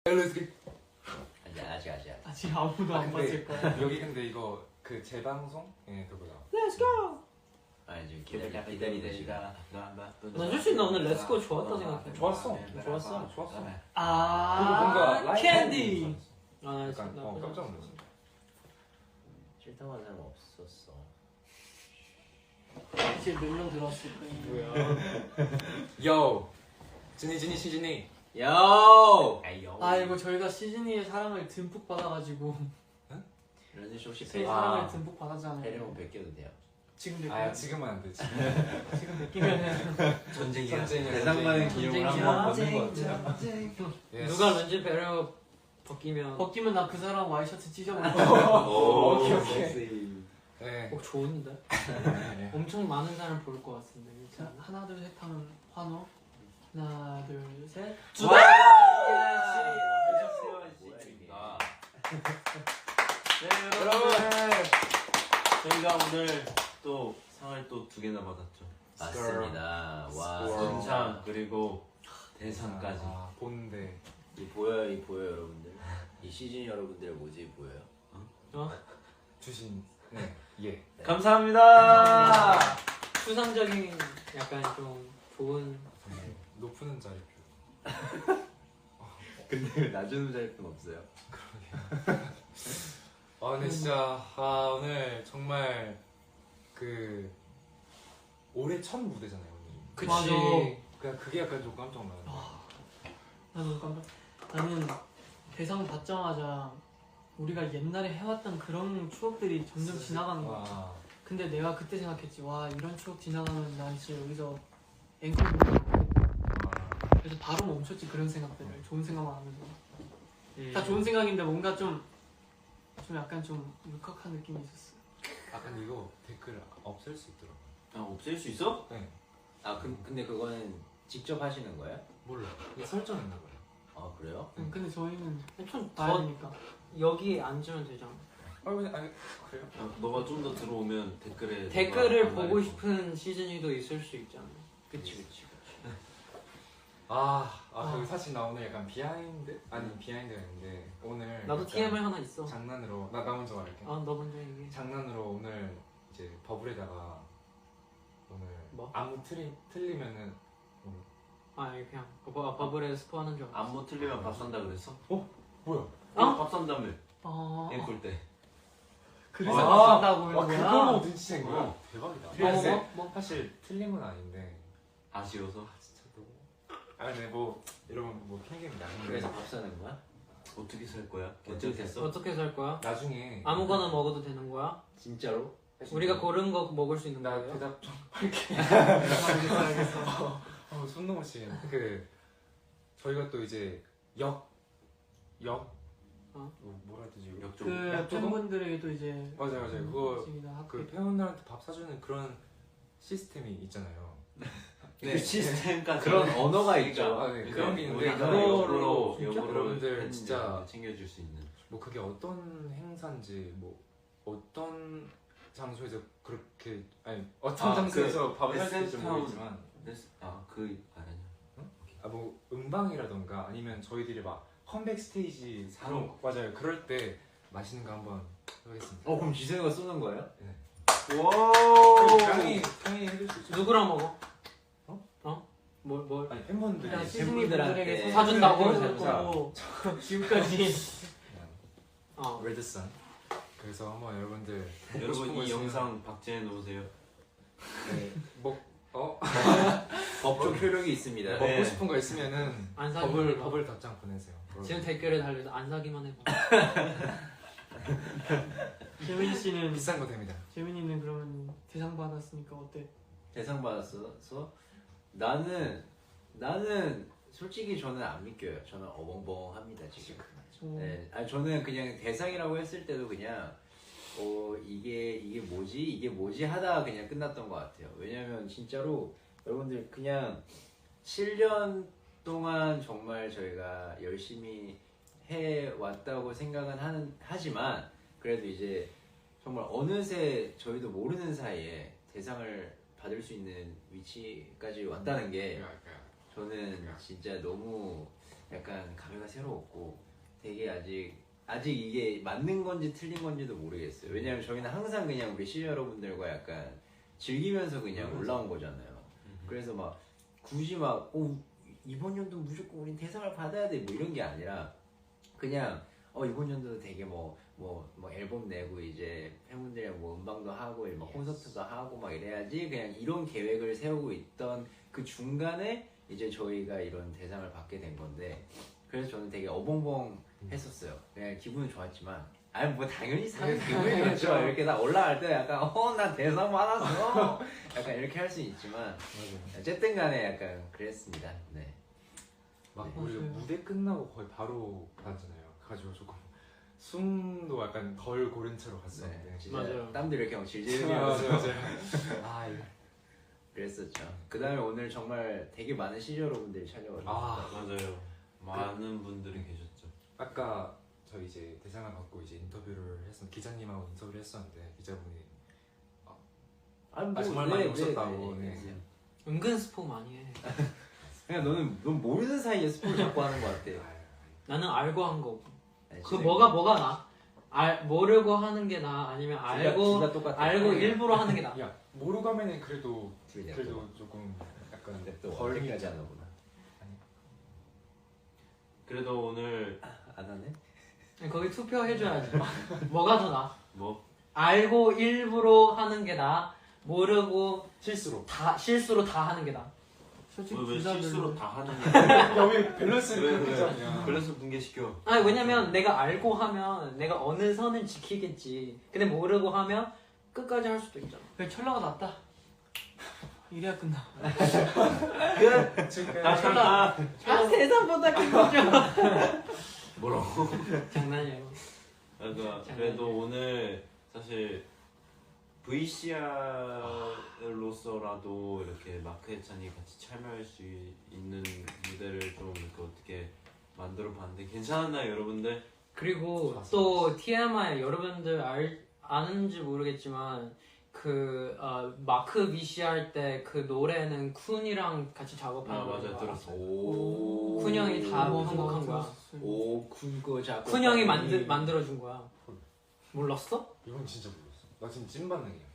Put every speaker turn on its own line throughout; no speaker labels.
아직 아무도 안 봤을 거야.
여기 근데 이거 그 재방송? 예, 그거다.
Let's go.
지금 기다리는 시간.
난 솔직히 나 오늘 렛츠고 좋았다 생각해.
좋았어.
좋았어.
좋았어.
아, 캔디. 아,
약간 깜짝 놀랐어.
싫다고 하는 사람 없었어.
지금 몇 명 들어왔을 거야.
요! 진이 시진이.
요!
아 이거 저희가 시즈니의 사랑을 듬뿍 받아가지고
런쥔 씨 혹시
제 사랑을 듬뿍 받았잖아요.
배려면 베껴도 돼요?
지금 몇
아 지금은 안 돼.
지금 베끼면은
전쟁이야.
전쟁이야.
대상만의 기념을 한번 걷는 거 같아.
누가 런쥔 배려 벗기면 나 그 사람 와이셔츠 찢어버릴 거야.
오케이.
네.
좋은데?
네.
엄청 많은 사람 볼 것 같은데. 자, 하나 둘 셋 하면 환호. 하나 둘 셋.
여러분 저희가 오늘 또 상을 또 2개나 받았죠. 맞습니다. 와 선창 그리고 대상까지.
본데
이 보여요 여러분들. 이 시즌 여러분들 모습이 보여요?
주신 네 예.
감사합니다.
추상적인 약간 좀 좋은
높은 자리표.
근데 왜 나주는 자리는 없어요?
근데 진짜 오늘 정말 그 올해 첫 무대잖아요 오늘.
그치.
그냥 그게 약간 좀 깜짝 놀랐네.
나는 대상 받자마자 우리가 옛날에 해왔던 그런 추억들이 점점 지나가는 거야. 근데 내가 그때 생각했지. 와 이런 추억 지나가면 난 진짜 여기서 앵콜 그래서 바로 멈췄지. 그런 생각들을 좋은 생각만 하면서 다 좋은 생각인데 뭔가 좀 약간 좀 울컥한 느낌이 있었어.
근데 이거 댓글 없앨 수 있더라고.
없앨 수 있어?
네.
근데 그거는 직접 하시는 거예요?
몰라. 이게 설정 있나 봐요.
그래요?
근데 저희는
좀
봐야 되니까.
여기 앉으면 되잖아.
그냥 그래요?
너가 좀 더 들어오면
댓글을
너가
보고
안
싶은 시즌이도 있을 수 있잖아.
그치.
여기 사실 나 오늘 약간 비하인드? 아니 비하인드가 있는데 오늘
나도
약간
TMI 하나 있어.
장난으로 나 먼저 말할게.
너 먼저 얘기해.
장난으로 오늘 이제 버블에다가 오늘
뭐?
안무 틀리면은
이거 그냥 버블에 스포하는 줄 알았어.
안무 틀리면 밥 산다 그랬어?
뭐야?
밥 산다며 앵콜 때.
그래서 받는다고 이런 거야?
그걸로 눈치챈 거야? 대박이다.
뭐?
사실 틀린 건 아닌데
아쉬워서?
진짜 너무 근데 여러분 핑계입니다.
그래서 밥 사는 거야? 어떻게 살 거야? 결정됐어?
어떻게 살 거야?
나중에
아무거나 먹어도 되는 거야?
진짜로?
우리가 고른 거 먹을 수 있는
나
거예요?
대답 좀
알겠어.
손 넘으시. 저희가 또 이제 뭐라 해야 되지?
역적.
그 팬분들에게도 이제
맞아요. 그거
학교
팬분들한테 밥 사주는 그런 시스템이 있잖아요.
그 시스템까지 그런 언어가 있죠.
그런 게 있는데
역으로
여러분들 진짜
챙겨줄 수 있는.
그게 어떤 행사인지 어떤 장소에서 그렇게 어떤 장소에서 밥을 살지 모르겠지만 그 알아냐? 음방이라던가 아니면 저희들이 막 컴백 스테이지 맞아요. 그럴 때 맛있는 거 한번 해보겠습니다.
그럼 지선이가 쏘는 거예요?
네.
와.
당연히 해줄 수 있죠.
누구랑 먹어?
뭘?
아니 팬분들이
그냥 시즈니들에게
사준다고
해놓고 지금까지
레드선. 그래서 한번 여러분들
여러분 이 영상 박제해 놓으세요. 법적 효력이 있습니다.
먹고 싶은 거 있으면은
안 사기만
버블 답장 보내세요.
지금 댓글에 달려서 안 사기만 해봐. 재민이 씨는
비싼 거 됩니다.
재민이는 그러면 대상 받았으니까 어때?
대상 받았어? 나는 솔직히 저는 안 믿겨요. 저는 어벙벙합니다 지금. 네, 저는 그냥 대상이라고 했을 때도 그냥 이게 뭐지 하다가 그냥 끝났던 것 같아요. 왜냐면 진짜로 여러분들 그냥 7년 동안 정말 저희가 열심히 해왔다고 생각은 하지만 그래도 이제 정말 어느새 저희도 모르는 사이에 대상을 받을 수 있는 위치까지 왔다는 게 저는 진짜 너무 약간 감회가 새로웠고 되게 아직 이게 맞는 건지 틀린 건지도 모르겠어요. 왜냐면 저희는 항상 그냥 우리 시청자 여러분들과 약간 즐기면서 그냥 올라온 거잖아요. 그래서 막 굳이 막 이번 연도 무조건 우린 대상을 받아야 돼 뭐 이런 게 아니라 그냥 이번 연도도 되게 뭐 앨범 내고 이제 팬분들이랑 뭐 음방도 하고 막 콘서트도 하고 막 이래야지 그냥 이런 계획을 세우고 있던 그 중간에 이제 저희가 이런 대상을 받게 된 건데 그래서 저는 되게 어벙벙 했었어요. 그냥 기분은 좋았지만 아니 뭐 당연히 사는 기분이 좋죠. 이렇게 다 올라갈 때 약간 나 대상 받았어 약간 이렇게 할 수 있지만 어쨌든 간에 약간 그랬습니다. 네.
막
네.
우리 무대 끝나고 거의 바로 받았잖아요. 그래가지고 조금 숨도 약간 덜 고른 채로 갔었는데
네, 진짜
맞아요.
땀도 이렇게 막 질질
맞아요,
흘리면서
아 이거
그랬었죠. 그 다음에 오늘 정말 되게 많은 시저 여러분들이 찾아와주셨어요.
맞아요. 많은 분들이 계셨죠.
아까 저 이제 대상을 받고 이제 인터뷰를 기자님하고 인터뷰를 했었는데 기자분이 정말 많이 오셨다고. 네.
은근 스포 많이 해.
그냥 넌 모르는 사이에 스포를 자꾸 하는 것 같아.
나는 알고 한 거.
아니,
그
진짜
뭐가 나? 모르고 하는 게 나? 아니면
둘 다 똑같아.
알고 일부러 하는 게 나?
야 모르고 하면은 그래도
둘이 다
조금 약간
근데 또
덜
언제까지 하나 보나.
그래도 오늘
안 하네?
거기 투표해줘야지. 뭐가 더 나?
뭐
알고 일부러 하는 게 나? 모르고
실수로
실수로 다 하는 게 나?
솔직히
왜
둘다
실수로
별로.
다 하는 게
야왜 밸런스를
왜,
그렇게
왜?
잡냐.
밸런스 붕괴시켜.
아니 왜냐면 내가 알고 하면 내가 어느 선을 지키겠지. 근데 모르고 하면 끝까지 할 수도 있잖아.
그래 철러가 낫다. 이래야 끝나.
아 세상보다 기쁘죠.
뭐라고?
장난이에요.
그래도 오늘 사실 VCR로서라도 이렇게 마크 해찬이 같이 참여할 수 있는 무대를 좀 이렇게 어떻게 만들어 봤는데 괜찮았나요, 여러분들?
그리고 또 TMI 여러분들 아는지 모르겠지만 그 마크 VCR 때 그 노래는 쿤이랑 같이 작업한 거야.
맞아 들었어.
오.
쿤 형이 다
뭐
편곡한 거야.
오, 쿤거 작곡.
쿤 형이 만들어준 거야. 몰랐어?
이건 진짜 몰랐어. 나 지금 찐반응이야.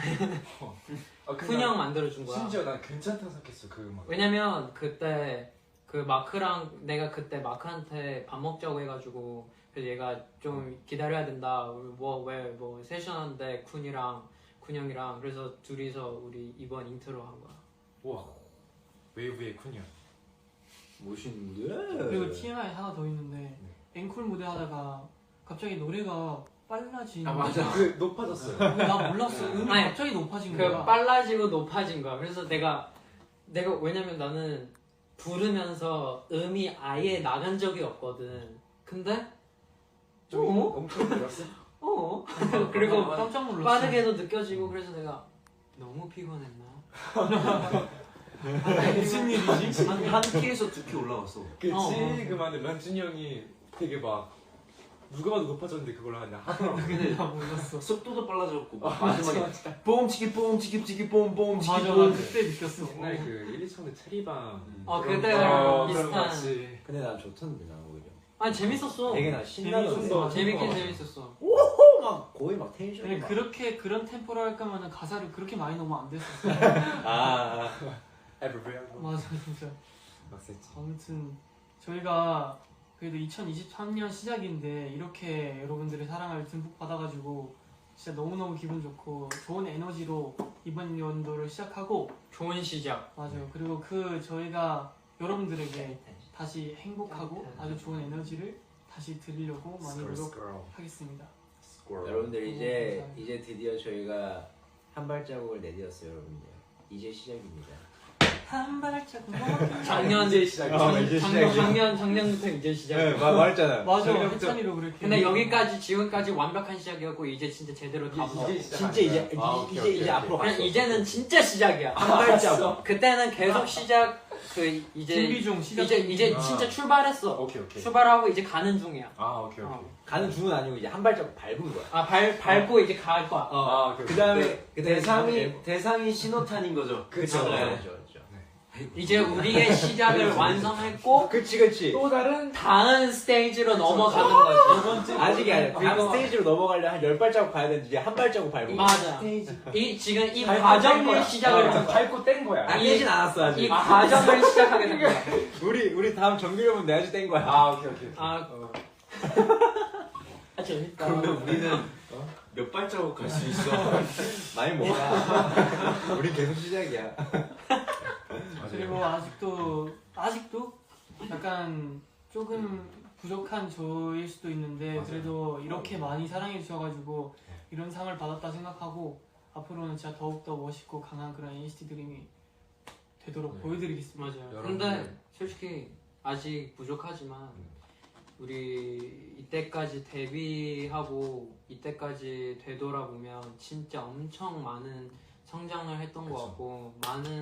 쿤 형 만들어준 거야.
심지어 난 괜찮다고 생각했어 그 음악.
왜냐면 그때 그 마크랑 내가 그때 마크한테 밥 먹자고 해가지고 그래서 얘가 좀 기다려야 된다. 뭐 세션한데 쿤 형이랑 그래서 둘이서 우리 이번 인트로 한 거야.
와 웨이브의 쿤이야.
멋있는데?
그리고 TMI 하나 더 있는데 앵콜 무대 하다가 갑자기 노래가 빨라진.
맞아. 그 높아졌어요.
근데 나 몰랐어. 음이
아니,
갑자기 높아진
그
거야.
빨라지고 높아진 거야. 그래서 내가 왜냐면 나는 부르면서 음이 아예 나간 적이 없거든. 근데
좀 엄청 늘었어?
그리고
깜짝 놀랐어.
빠르게도 느껴지고 그래서 내가 너무 피곤했나?
무슨 일이지?
한 키에서 두 키 올라갔어.
그치
어.
그만에 런쥔이 형이 되게 막 누가 봐도 높아졌는데 그걸 그냥 하더라고.
근데
나 몰랐어.
속도도 빨라졌고 마지막에 뽕치기 뽕뽕
맞아, 나 그때 느꼈어.
옛날에 그 1, 2차원의 체리방
그때
그런
비슷한.
맛이.
근데 난 좋던데 난 오히려.
아니 재밌었어.
되게 나 신나던데.
재밌었어.
재밌긴 재밌었어.
막 거의 막 텐션이
근데
막.
그런 템포로 할 거면은 가사를 그렇게 많이 넣으면 안 됐었어.
Everywhere.
맞아, 진짜.
막 셌지.
아무튼 저희가 그래도 2023년 시작인데 이렇게 여러분들의 사랑을 듬뿍 받아가지고 진짜 너무너무 기분 좋고 좋은 에너지로 이번 연도를 시작하고
좋은 시작.
맞아요. 그리고 저희가 여러분들에게 다시 행복하고 아주 좋은 에너지를 다시 드리려고 많이 노력하겠습니다.
여러분들 이제 드디어 저희가 한 발자국을 내디뎠어요, 여러분들. 이제 시작입니다.
한 발자국
작년
이제 시작이야.
작년부터 이제 시작.
말했잖아요.
맞아, 해찬이로 그렇게.
근데 여기까지 지금까지 완벽한 시작이었고 이제 진짜 제대로 다
이제 시작.
진짜 이제 이제 앞으로
그냥
갔어.
이제는 진짜 시작이야.
한 발자국.
그때는 계속 시작 이제
준비 중 시작.
이제 진짜 출발했어.
오케이.
출발하고 이제 가는 중이야.
오케이.
가는 중은 아니고 이제 한 발자국 밟은 거야.
밟고 이제 갈 거야.
오케이.
그다음에
대상이 신호탄인 거죠.
그쵸.
그렇죠.
네.
이제 우리의 시작을 완성했고
그치.
또 다른 스테이지로 넘어가는 거지.
아직이 아니야. 다음
그리고-
스테이지로 넘어가려면 한 10발자국 가야 되는데 이제 한 발자국 밟고.
맞아. 지금 이 과정을 시작을
밟고 뗀 거야.
안 되진 않았어 아직.
이 과정을 시작하게 된 거야.
우리 다음 정규력은 내가 땐 거야.
아 오케이.
아, 재밌다.
그러면 우리는 몇 발자국 갈 수 있어?
많이 못 가. 우리 계속 시작이야.
그리고 아직도 약간 조금 부족한 저일 수도 있는데
맞아요.
그래도 이렇게 많이 사랑해 주셔가지고 이런 상을 받았다 생각하고 앞으로는 진짜 더욱더 멋있고 강한 그런 NCT 드림이 되도록
네.
보여드리겠습니다.
맞아요.
여러분들-
근데 솔직히 아직 부족하지만 우리 이때까지 데뷔하고 이때까지 되돌아보면 진짜 엄청 많은 성장을 했던 것
그쵸.
같고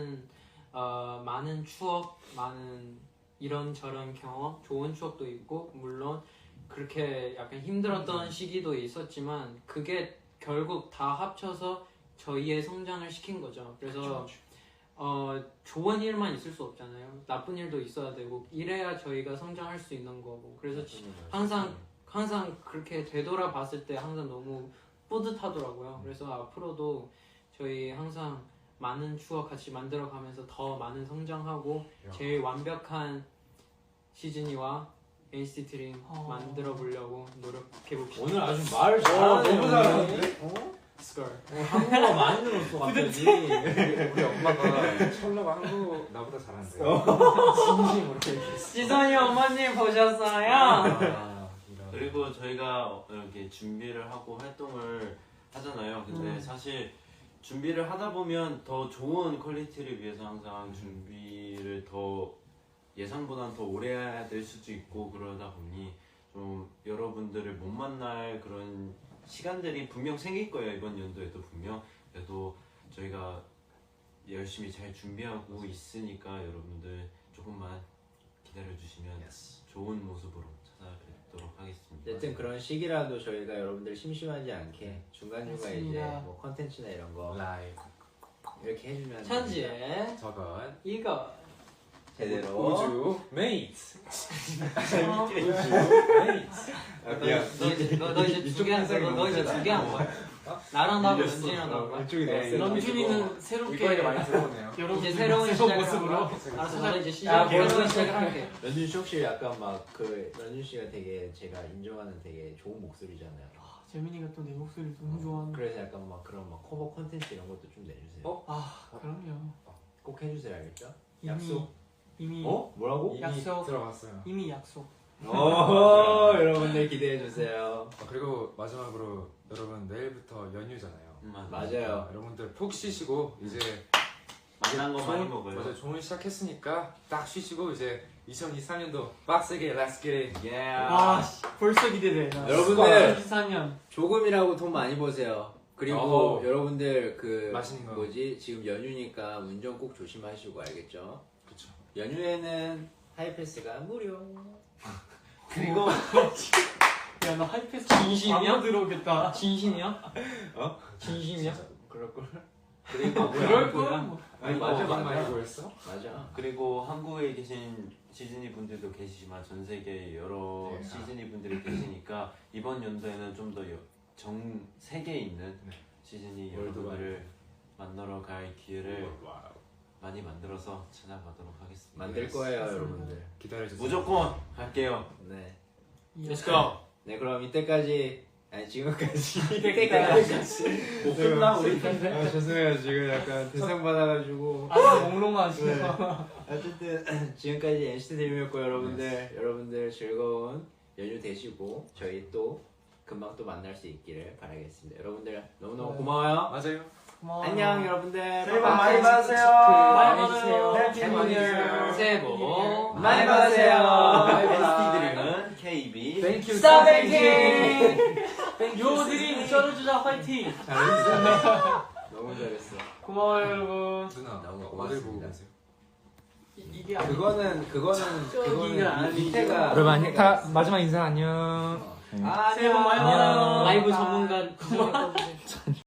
많은 추억, 많은 이런저런 경험, 좋은 추억도 있고 물론 그렇게 약간 힘들었던 시기도 있었지만 그게 결국 다 합쳐서 저희의 성장을 시킨 거죠. 그래서 좋은 일만 있을 수 없잖아요. 나쁜 일도 있어야 되고 이래야 저희가 성장할 수 있는 거고. 그래서 항상 그렇게 되돌아봤을 때 항상 너무 뿌듯하더라고요. 그래서 앞으로도 저희 항상 많은 추억 같이 만들어가면서 더 많은 성장하고 제일 완벽한 시즈니와 NCT 드림 만들어 보려고 노력해 봅시다.
오늘 아주 말을 잘하네.
너무 잘하는데?
스컬.
한국어 많이 늘었어 갑자기.
우리 엄마가 철러가 한국 나보다 잘하는데요. 진심으로.
지선이 어머님 보셨어요?
아, 이런.
그리고 저희가 이렇게 준비를 하고 활동을 하잖아요. 근데 사실 준비를 하다 보면 더 좋은 퀄리티를 위해서 항상 준비를 더 예상보다는 더 오래 해야 될 수도 있고 그러다 보니 좀 여러분들을 못 만날 그런 시간들이 분명 생길 거예요. 이번 연도에도 분명. 그래도 저희가 열심히 잘 준비하고 있으니까 여러분들 조금만 기다려주시면 좋은 모습으로 찾아뵙도록 하겠습니다.
어쨌든 그런 시기라도 저희가 여러분들 심심하지 않게 중간중간 이제
맞습니다.
뭐 컨텐츠나 이런 거
라이브
이렇게 해주면
천지에
저건
이거
제대로.
우주 메이트.
아, 미안.
너 이제 두 개 한 거야? 나랑 나하고 연진이랑 나온 거야?
이쪽이
네,
너무
런쥔이는 새롭게
이거에 많이 들어오네요.
여러분
이제 새로운 시작을
모습으로
하는 거야? 알았어, 나도 이제
아,
새로운 시작을 할게.
런쥔 씨 혹시 약간 막 그 런쥔 씨가 되게 제가 인정하는 되게 좋은 목소리잖아요.
재민이가 또 내 목소리 너무 좋아하는.
그래서 약간 막 그런 막 커버 콘텐츠 이런 것도 좀 내주세요.
그럼요.
꼭 해주세요, 알겠죠?
이미
약속.
이미
뭐라고?
이미
약속.
들어갔어요.
이미 약속.
오, 여러분들 기대해 주세요.
그리고 마지막으로 여러분 내일부터 연휴잖아요.
맞아요.
여러분들 푹 쉬시고 이제
맛난 거 많이
좋은-
먹어요.
맞아, 좋은 시작했으니까 딱 쉬시고 이제 2023년도 빡세게 Let's get it.
와 벌써 기대돼. 나.
여러분들
2024년.
조금이라고 돈 많이 버세요. 그리고
어허.
여러분들 그
맛있는 거.
뭐지 지금 연휴니까 운전 꼭 조심하시고 알겠죠?
그쵸.
연휴에는 하이패스가 무료.
그리고
야나 하이패스
진심이야?
광고 들어오겠다.
진심이야?
어?
진심이야?
그럴 걸. 그리고
그럴 거야. 뭐.
아니
이거
맞아
많이
맞아.
보였어?
맞아.
그리고 한국에 계신 시즈니 분들도 계시지만 전 세계 여러
네.
시즈니 분들이 계시니까 이번 연도에는 좀 더 전 세계에 있는
네.
시즈니
월드와이드.
여러분들을 만나러 갈 기회를 많이 만들어서 찾아가도록 하겠습니다.
만들 거예요 여러분들.
기다려주세요.
무조건 갈게요.
네.
Let's go!
네 그럼 이때까지 아니 지금까지
못 끝나 우리
아 죄송해요 지금 약간 대상 받아가지고
아직 몽롱하지.
네. 어쨌든 지금까지 NCT 드림이었고 여러분들 즐거운 연휴 되시고 저희 또 금방 또 만날 수 있기를 바라겠습니다. 여러분들 너무너무 고마워요.
맞아요.
고마워.
안녕 여러분들.
새해 복 많이 받으세요.
많이 받으세요.
해피
많이
뉴 이어.
받으세요.
새해 복
많이 받으세요.
NCT 드림은 KB
Thank you.
스타뱅킹. 요드림 쩔어주자 화이팅.
잘했어. 너무 잘했어.
고마워요 여러분.
누나
너무
어딜 보고
고맙습니다.
계세요?
이게 아니.
그거는
아니죠.
밑에가
여러분 마지막 인사 안녕.
새해 복 많이 받아요.
라이브 전문가